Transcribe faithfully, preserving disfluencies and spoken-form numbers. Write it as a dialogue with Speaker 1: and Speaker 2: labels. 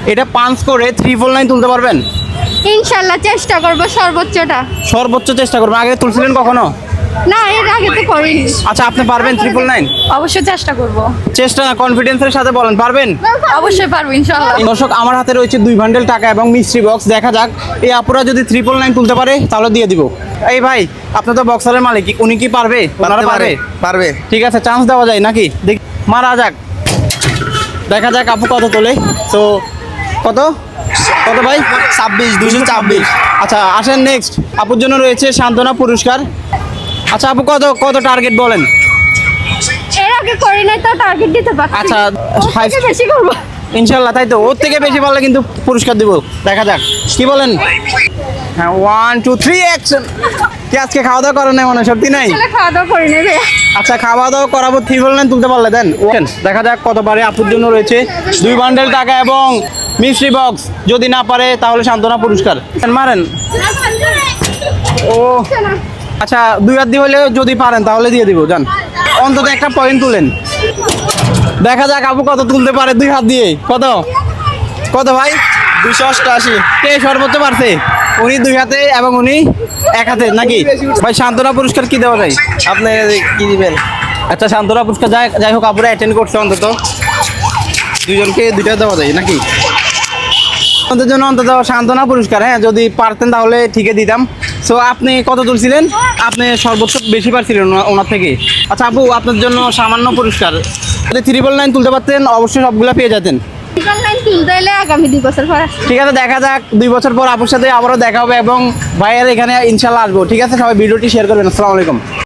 Speaker 1: এটা পাঁচ করে ট্রিপল নাইন তুলতে পারবেন?
Speaker 2: ইনশাল্লাহ চেষ্টা করব সর্বোচ্চটা।
Speaker 1: সর্বোচ্চ চেষ্টা করবেন। আগে তুলছিলেন কখনো?
Speaker 2: না, এর আগে তো করিনি।
Speaker 1: আচ্ছা, আপনি পারবেন ট্রিপল নাইন?
Speaker 2: অবশ্যই চেষ্টা করব।
Speaker 1: চেষ্টা না, কনফিডেন্সের সাথে বলেন পারবেন।
Speaker 2: অবশ্যই পারবো ইনশাল্লাহ।
Speaker 1: দর্শক, আমার হাতে রয়েছে দুই বান্ডেল টাকা এবং মিস্ট্রি বক্স। দেখা যাক এই আপুরা যদি ট্রিপল নাইন তুলতে পারে তাহলে দিয়ে দিব। এই ভাই, আপনি তো বক্সারের মালিক, উনি কি পারবে? ওনারা পারবে?
Speaker 3: পারবে।
Speaker 1: ঠিক আছে, চান্স দেওয়া যায় নাকি? দেখ, মারা যাক, দেখা যাক আপু কত তোলে। তো কত কত ভাই?
Speaker 3: ছাব্বিশ দুশো ছাব্বিশ।
Speaker 1: আচ্ছা, আসেন নেক্সট। আপুর জন্য রয়েছে সান্ত্বনা পুরস্কার। আচ্ছা আপু, কত কত টার্গেট বলেন?
Speaker 2: এর আগে করি নাই তো টার্গেট দিতে পারছি।
Speaker 1: আচ্ছা,
Speaker 2: ওর থেকে বেশি করব
Speaker 1: ইনশাল্লাহ। তাই তো, ওর থেকে বেশি পারলে কিন্তু পুরস্কার দিব। দেখা যাক কি বলেন। হ্যাঁ, ওয়ান টু থ্রি অ্যাকশন। কি আজকে খাওয়া দাওয়া করেন নাই? মনে হয় সত্যি নাই।
Speaker 2: আসলে খাওয়া দাওয়া করি নাই ভাইয়া।
Speaker 1: আচ্ছা, খাওয়া দাওয়া করাবো, ট্রিপল নাইন তুলতে পারলে দেন। ওকেন, দেখা যাক কত পারে। আপুর জন্য রয়েছে দুই বান্ডেল টাকা এবং মিস্ট্রি বক্স। যদি না পারে তাহলে সান্ত্বনা পুরস্কার। মারেন। ও আচ্ছা, দুই হাত দিয়ে হলে যদি পারেন তাহলে দিয়ে দিব। যান, অন্তত একটা পয়েন্ট তুলেন। দেখা যাক আপু কত তুলতে পারে দুই হাত দিয়ে। কত কত ভাই?
Speaker 3: দুশো অষ্টআশি।
Speaker 1: কে সর্বোচ্চ পারছে? উনি দুই হাতে এবং উনি এক হাতে নাকি? ভাই, সান্ত্বনা পুরস্কার কি দেওয়া যায়?
Speaker 3: আপনি কি দিবেন?
Speaker 1: আচ্ছা, সান্ত্বনা পুরস্কার যাই যাই হোক, আপুরা অ্যাটেন্ড করছে, অন্তত দুজনকে দুইটা দেওয়া যায় নাকি? আমাদের জন্য অন্তত সান্ত্বনা পুরস্কার। হ্যাঁ, যদি পারতেন তাহলে ঠিকই দিতাম। সো আপনি কত তুলছিলেন? আপনি সর্বোচ্চ বেশি পারছিলেন ওনা- ওনার থেকে। আচ্ছা আপু, আপনার জন্য সামান্য পুরস্কার। যদি ট্রিপল নাইন তুলতে পারতেন অবশ্যই সবগুলো পেয়ে যেতেন।
Speaker 2: ট্রিপল নাইন তুলতে হলে আগামী দুই বছর পর আসবে।
Speaker 1: ঠিক আছে, দেখা যাক দুই বছর পর আপুর সাথে আবারও দেখা হবে এবং ভাইয়ের এখানে ইনশাল্লাহ আসবো। ঠিক আছে, সবাই ভিডিওটি শেয়ার করবেন। আসসালামু আলাইকুম।